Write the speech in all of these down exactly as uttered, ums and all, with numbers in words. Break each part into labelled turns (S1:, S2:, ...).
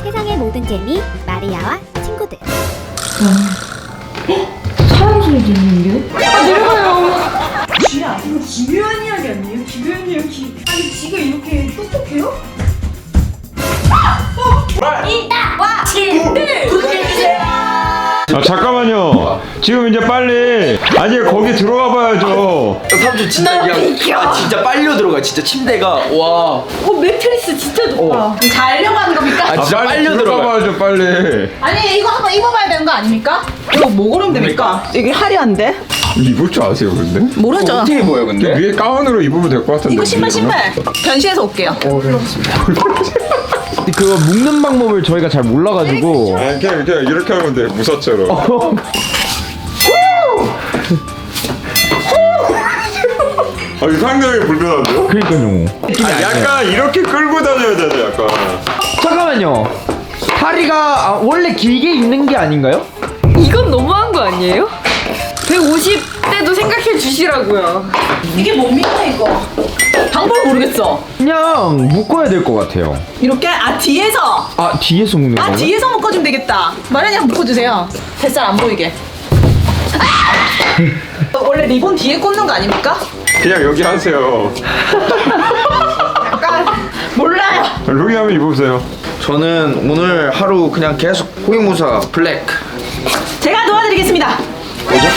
S1: 세상의 모든 재미 마리아와 친구들.
S2: 사람 소리 들리는데? 아 내려가요.
S3: 쥐야, 이거 기묘한 이야기 아니에요? 기묘한 이야기. 아니 쥐가 이렇게 똑똑해요?
S4: 아 잠깐만요. 지금 이제 빨리 아니 거기 들어가 봐야죠.
S5: 삼촌 진짜 그냥 아 진짜 빨려 들어가 진짜 침대가 와.
S3: 어 매트리스 진짜 좋다.
S2: 자려고 하는 겁니까?
S5: 아 진짜
S4: 빨리
S5: 빨려
S4: 들어가
S5: 들어가.
S4: 봐야죠 빨리.
S2: 아니 이거 한번 입어봐야 되는 거 아닙니까?
S3: 이거 뭐 고르면 됩니까? 이게 화려한데?
S4: 입을 줄 아세요 근데?
S3: 모르죠.
S5: 어떻게 보여 근데?
S4: 위에 가운으로 입으면 될 것 같은데.
S3: 이거 신발 신발. 변신해서 올게요.
S5: 그거 묶는 방법을 저희가 잘 몰라가지고.
S4: 아, 그냥, 그냥 이렇게 하면 돼 무사처럼. 아, 이거 상당히 불편한데요?
S5: 그러니까요.
S4: 아, 약간 이렇게 끌고 다녀야 되네 약간.
S5: 잠깐만요. 다리가 아, 원래 길게 있는 게 아닌가요?
S6: 이건 너무한 거 아니에요? 백오십 대도 생각해 주시라고요.
S3: 이게 뭡니까 이거? 방법 모르겠어.
S5: 그냥 묶어야 될 것 같아요.
S3: 이렇게 아 뒤에서
S5: 아 뒤에서 묶는
S3: 아
S5: 거요?
S3: 뒤에서 묶어주면 되겠다. 마련이 한번 묶어주세요. 뱃살 안 보이게. 아! 원래 리본 뒤에 꽂는 거 아닙니까?
S4: 그냥 여기 하세요.
S3: 약간 몰라요.
S4: 여기 한번 입어보세요.
S5: 저는 오늘 하루 그냥 계속 호위무사 블랙.
S3: 제가 도와드리겠습니다.
S5: 뭐죠?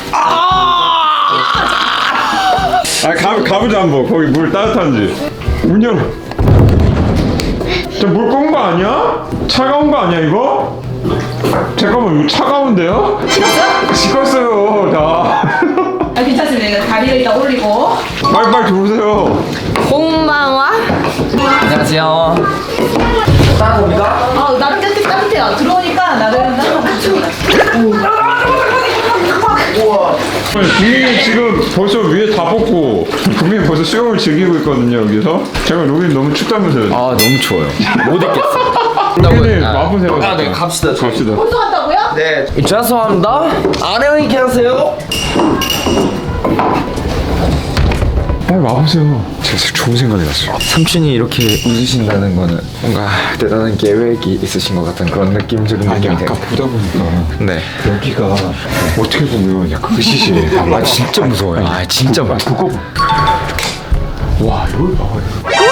S4: 아 가, 가보자 한번. 거기 물 따뜻한지. 문 열어. 저물 끓은 거 아니야? 차가운 거 아니야 이거? 잠깐만 이거 차가운데요?
S3: 식었어?
S4: 식었어요 다.
S3: 아 괜찮습니다. 다리를 일단 올리고.
S4: 빨리빨리 들어오세요.
S6: 꽁마와
S5: 안녕하세요. 따라옵니까?
S3: 아 나름 따뜻 따뜻해요. 들어오니까 나름 따뜻합니다.
S5: 우와.
S4: 국민이 지금 벌써 위에 다 벗고 국민이 벌써 수영을 즐기고 있거든요 여기서. 제가 여기 너무 춥다면서요.
S5: 아 너무 추워요. 못 있겠어.
S4: 국민이 와보세요.
S5: 아, 네 갑시다.
S4: 갑시다.
S3: 벌써 간다고요?
S5: 네. 죄송합니다. 안녕히 계세요.
S4: 빨리 와보세요. 제가 좋은 생각이 났어요.
S5: 삼촌이 이렇게 웃으신다는 거는 뭔가 대단한 계획이 있으신 것 같은 그런 느낌적인
S4: 아니
S5: 느낌이
S4: 아까
S5: 돼요.
S4: 보다 보니까
S5: 네.
S4: 여기가 어떻게 보면 약간 의시시해.
S5: 아 진짜 무서워요. 아 진짜
S4: 그,
S5: 무서워.
S4: 그거 와 여기 봐봐요.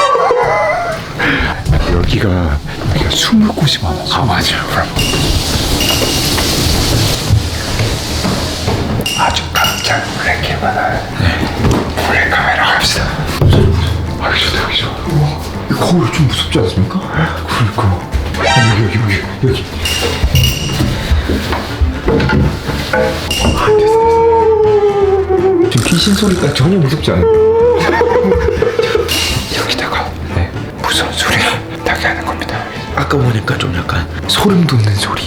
S4: 여기가 여기가 숨을 곳이 많아. 아 맞아요. 그럼 아주 깜짝 놀랄 많아요. 네. 몰래 카메라 갑시다. 아 여기 좋다 여기 좋아. 우와 이 거울 좀 무섭지 않습니까? 그러니까. 아, 여기 여기 여기 여기.
S5: 지금 귀신 소리가 전혀 무섭지 않아요.
S4: 여기다가 네 무서운 소리 나게 하는 겁니다.
S5: 아까 보니까 좀 약간 소름 돋는 소리.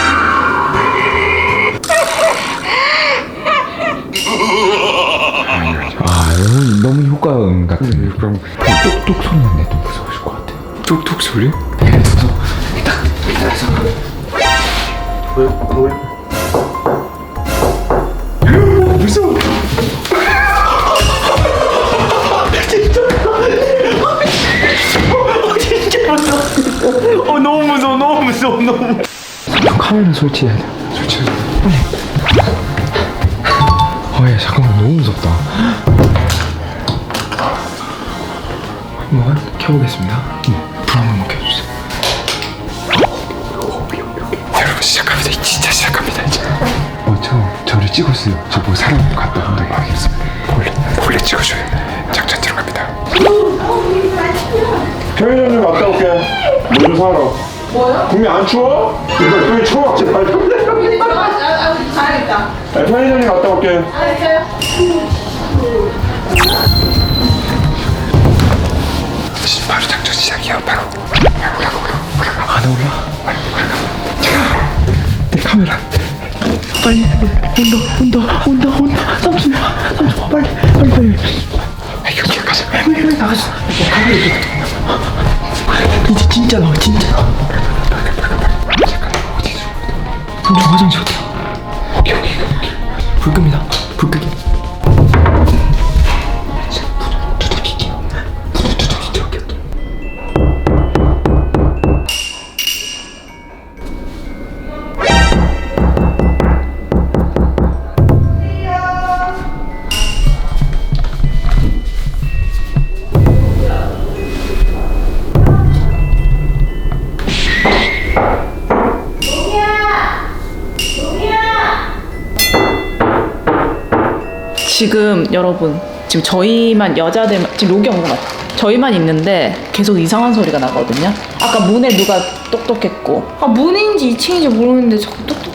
S5: 아 너무 너무 효과음 같은.
S4: 그럼
S5: 똑똑 소리만 내도 무서우실 것 같아.
S4: 톡톡 소리? 무서워.
S5: 어 너무 무서워 너무 무서워 너무.
S4: 카메라 설치해야 돼. 설치해. 빨리. 아예 잠깐만 너무 무섭다. 한번 켜보겠습니다. 불 한번 켜주세요. 여러분 시작합니다. 진짜 시작합니다 이제. 어저 저를 찍었어요. 저 뭐 사람 갖다 본다고 알겠습니다. 몰래 몰래 찍어줘요. 작전 들어갑니다. 편의점 좀 갔다 올게. 뭐 좀 사러.
S3: 뭐요?
S4: 국민 안 추워? 이거 여기 추워. 제발.
S3: 가야겠다.
S4: 네, 편의점 좀 갔다 올게.
S3: 알겠어요.
S4: 바로 작전 시작이야. 바로 올라가 올라가. 안 올라? 빨리 올라가. 자, 내 카메라. 빨리 온다 온다 온다 온다. 삼촌 삼촌 빨리 빨리 빨리. 아 여기 가자. 빨리 빨리 나가자. 카메라 이제 진짜 나와 진짜. 잠깐 어디 있어? 삼촌 화장실 어디? 오케이 오케이 오케이. 불 끕니다. 불 끄기. 두들기게요. 두들기게.
S7: 지금 여러분 지금 저희만 여자들 지금 로기 온것 같아. 저희만 있는데 계속 이상한 소리가 나거든요. 아까 문에 누가 똑똑했고.
S6: 아 문인지 이 층인지 모르는데 자꾸 똑똑.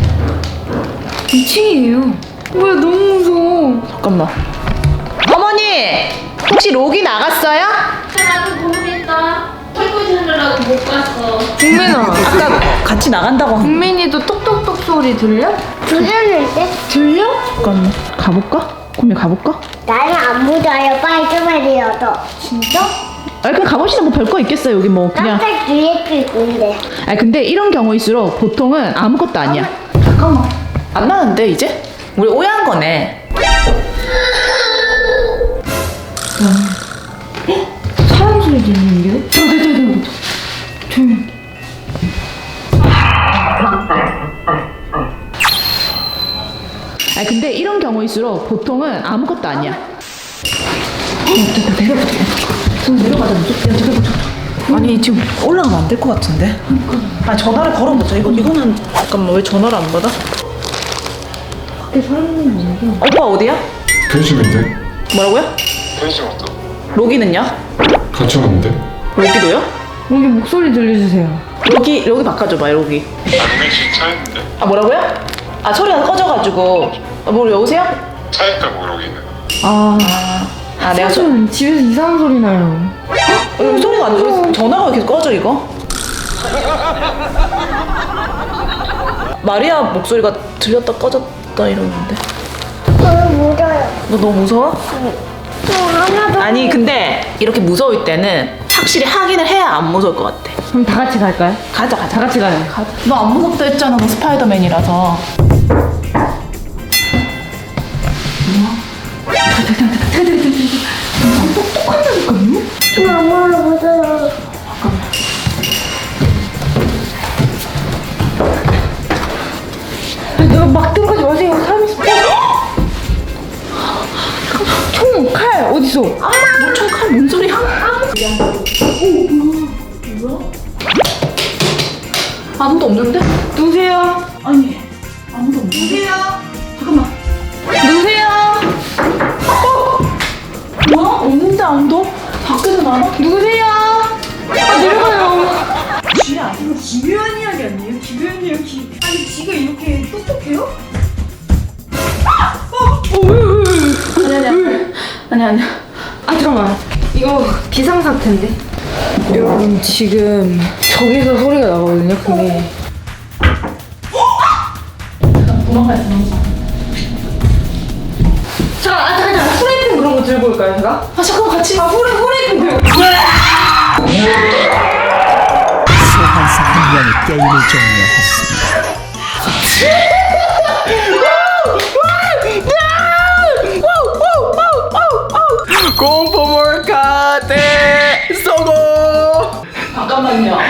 S6: 이 층이에요. 뭐야 너무 무서워.
S7: 잠깐만. 어머니 혹시 로기 나갔어요?
S8: 나도 모르겠다. 설거지 하느라고 못 갔어.
S6: 국민아.
S7: 아까 같이 나간다고 한.
S6: 국민이도 똑똑똑 소리 들려?
S1: 들렸는데?
S6: 들려?
S7: 잠깐만 가볼까? 구미 가볼까?
S1: 나는 안 묻어요. 빨리 좀 해드려도. 진짜?
S7: 아 그냥 가봅시다. 뭐 별거 있겠어요 여기 뭐 그냥.
S1: 깜짝 뒤에도 있는데.
S7: 아 근데 이런 경우일수록 보통은 아무것도 아니야.
S6: 잠깐만.
S7: 안 나는데 이제? 우리 오해한 거네.
S6: 사람 소리 들리는데? 저, 저, 저, 저, 저. 조용히.
S7: 아 근데 이런 경우일수록 보통은 아무것도 아니야. 아니 지금 올라가면 안 될 것 같은데. 아 전화를 걸어보자. 이거 이거는 잠깐만 왜 전화를 안 받아? 오빠 어디야?
S4: 변심인데?
S7: 뭐라고요?
S4: 변심 없어.
S7: 로기는요?
S4: 같이 왔는데?
S7: 로기도요?
S6: 여기 목소리 들려주세요.
S7: 로기 로기 바꿔줘봐 로기.
S4: 아 로기 씨 차였는데?
S7: 아 뭐라고요? 아 소리가 꺼져가지고. 아, 뭐 여보세요?
S4: 차였다고 로기는.
S6: 아,
S7: 아 내가 소,
S6: 사실 집에서 이상한 소리 나요.
S7: 어, 여기 소리가 안 들려. 전화가 왜 계속 꺼져 이거? 마리아 목소리가 들렸다 꺼졌다 이러는데.
S1: 너무 묻어요.
S7: 너 너무 무서워?
S1: 또 하나도.
S7: 아니 근데 이렇게 무서울 때는 확실히 확인을 해야 안 무서울 것 같아.
S6: 그럼 다 같이 갈까요?
S7: 가자 가자.
S6: 다 같이 가요.
S7: 가자. 너 안 무섭다 했잖아. 너 스파이더맨이라서.
S1: 너무 묻어요.
S6: 아니, 내가 막 들어가지 마세요. 사람 있으면. 총, 칼, 어딨어?
S7: 뭐총 칼 뭔 소리야? 아무도 없는데?
S6: 누구세요?
S7: 아니 아무도 없는데? 누구세요? 잠깐만.
S6: 누구세요?
S7: 뭐야? 없는데 아무도? 밖에서 나와?
S6: 누구세요? 아, 내려가요.
S3: 쥐야 이거 기묘한 이야기 아니에요? 기묘한 이야기. 아니 쥐가 이렇게 똑똑해요?
S7: 아니 아니 아니 아니.
S6: 아, 잠깐만. 이거 비상사태인데? 여러분, 지금 저기서 소리가 나거든요, 근데.
S7: 도망가야 도망가.
S6: 잠깐, 아, 잠깐, 잠깐. 프라이팬 그런 거 들고 올까요, 제가?
S7: 아 잠깐 같이.
S6: 아, 후레, 후레이팬 들고.
S9: 소환사 한 명이 게임을 종료했습니다.
S4: 공포 몰카대 성공!
S7: 잠깐만요.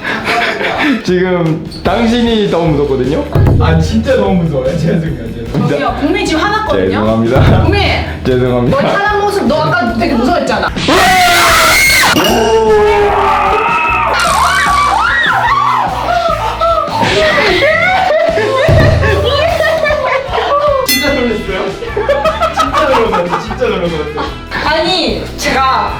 S5: 지금 당신이 너무 무섭거든요? 아 진짜 너무 무서워요. 죄송해요.
S7: 야
S5: 죄송합니다.
S7: 국민 지금 화났거든요.
S5: 죄송합니다.
S7: 국민.
S5: 죄송합니다.
S7: 너 화난 모습 너 아까 되게 무서워했잖아.
S5: 진짜 놀랐어요? 진짜 놀랐어요. 진짜 놀랐어요.
S6: 아니, 제가.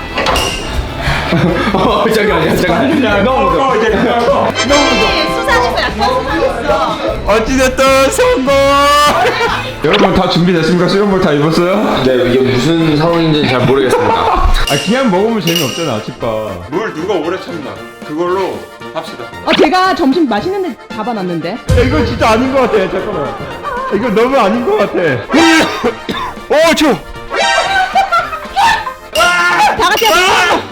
S5: 어 잠깐만요. 잠깐. 너무 무서워. 너무 무서워.
S7: 수사에서 약간 수사했어.
S5: 어찌됐든 성공! 여러분 다 준비됐습니까? 수영복 다 입었어요?
S10: 네, 이게 무슨 상황인지 잘 모르겠습니다.
S5: 아 그냥 먹으면 재미없잖아 아침밥.
S4: 물 누가 오래 참나. 그걸로 합시다.
S7: 어 제가 점심 맛있는 데 잡아놨는데.
S5: 야, 이건 진짜 아닌 것 같아. 잠깐만. 이거 너무 아닌 것 같아. 어 추워.
S7: 다 같이.